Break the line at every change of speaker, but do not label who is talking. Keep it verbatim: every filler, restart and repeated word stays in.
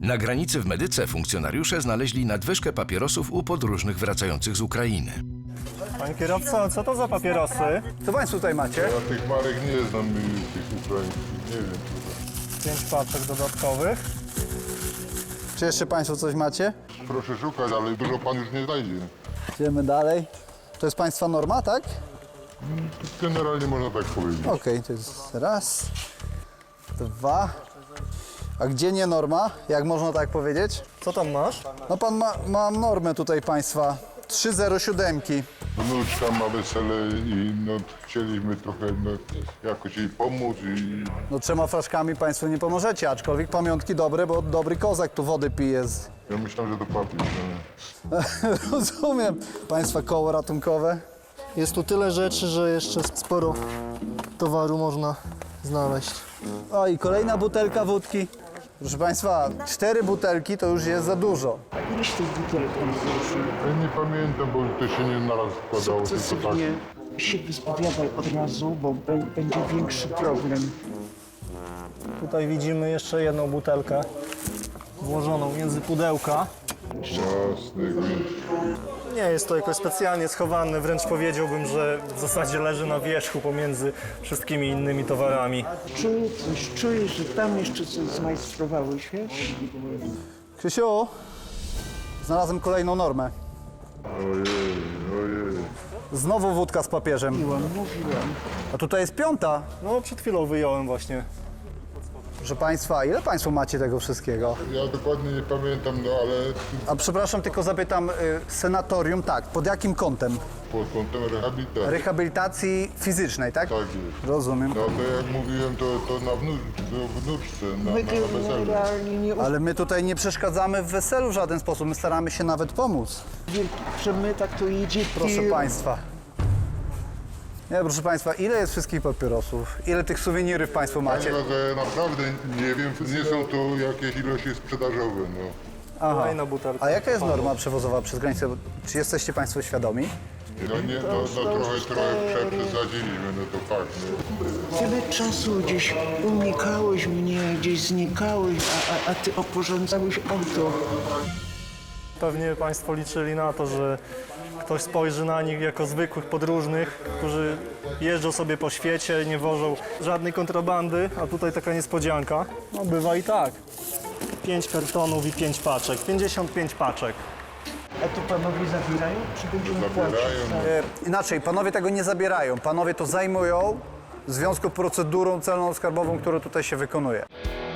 Na granicy w Medyce funkcjonariusze znaleźli nadwyżkę papierosów u podróżnych wracających z Ukrainy.
Panie kierowco, co to za papierosy?
Co Państwo tutaj macie?
Ja tych marek nie znam, y, tych ukraińskich, nie wiem.
Pięć paczek dodatkowych.
Czy jeszcze Państwo coś macie?
Proszę szukać, ale dużo pan już nie znajdzie.
Idziemy dalej. To jest Państwa norma, tak?
Generalnie można tak powiedzieć.
Okej, to jest raz, dwa. A gdzie nie norma? Jak można tak powiedzieć?
Co tam masz?
No Pan ma, ma normę tutaj Państwa. trzy zero siedem.
Wnuczka ma wesele i no, chcieliśmy trochę no, jakoś jej pomóc i
No trzema flaszkami Państwo nie pomożecie, aczkolwiek pamiątki dobre, bo dobry kozak tu wody pije. Z...
ja myślałem, że to papier. No.
Rozumiem. Państwa koło ratunkowe.
Jest tu tyle rzeczy, że jeszcze sporo towaru można znaleźć.
O i kolejna butelka wódki. Proszę Państwa, cztery butelki to już jest za dużo.
Ileś tych butelek pan złożył?
Ja nie pamiętam, bo to się nie naraz składało, tylko tak.
Sukcesywnie się wyspowiadaj od razu, bo be- będzie większy problem.
Tutaj widzimy jeszcze jedną butelkę włożoną między pudełka.
Jasne, więc
Nie jest to jakoś specjalnie schowane, wręcz powiedziałbym, że w zasadzie leży na wierzchu pomiędzy wszystkimi innymi towarami.
Czuję coś, czuję, że tam jeszcze coś zmajstrowałeś, wiesz?
Krzysiu, znalazłem kolejną normę.
ojej, ojej.
Znowu wódka z papieżem.
Mówiłam, mówiłam.
A tutaj jest piąta.
No przed chwilą wyjąłem właśnie.
Proszę Państwa, ile Państwo macie tego wszystkiego?
Ja dokładnie nie pamiętam, no ale
A przepraszam, tylko zapytam, y, senatorium, tak, pod jakim kątem?
pod kątem rehabilitacji.
Rehabilitacji fizycznej, tak?
Tak jest.
Rozumiem.
No to jak mówiłem, to, to na wnu, do wnuczce, na,
My
na, na weselu.
generalnie nie
Ale my tutaj nie przeszkadzamy w weselu w żaden sposób, my staramy się nawet pomóc.
wielki przemytak, to jedzie
Proszę
tir.
Państwa. Nie, proszę Państwa, ile jest wszystkich papierosów? Ile tych suwenirów Państwo macie?
Chyba, że naprawdę nie wiem, nie są to jakieś ilości sprzedażowe, no.
Aha.
Kolejna butelka.
A jaka jest norma przewozowa przez granicę? Czy jesteście Państwo świadomi?
No nie, no, no trochę, trochę przesadziliśmy, no to fakt, no.
Tyle czasu gdzieś unikałeś mnie, gdzieś znikałeś, a, a, a ty oporządzałeś auto.
Pewnie Państwo liczyli na to, że ktoś spojrzy na nich jako zwykłych podróżnych, którzy jeżdżą sobie po świecie, nie wożą żadnej kontrabandy, a tutaj taka niespodzianka. No bywa i tak. Pięć kartonów i pięć paczek, pięćdziesiąt pięć paczek.
A tu panowie zabierają, czy będziemy płacić?
Zabierają,
E, inaczej, panowie tego nie zabierają. Panowie to zajmują w związku z procedurą celno-skarbową, która tutaj się wykonuje.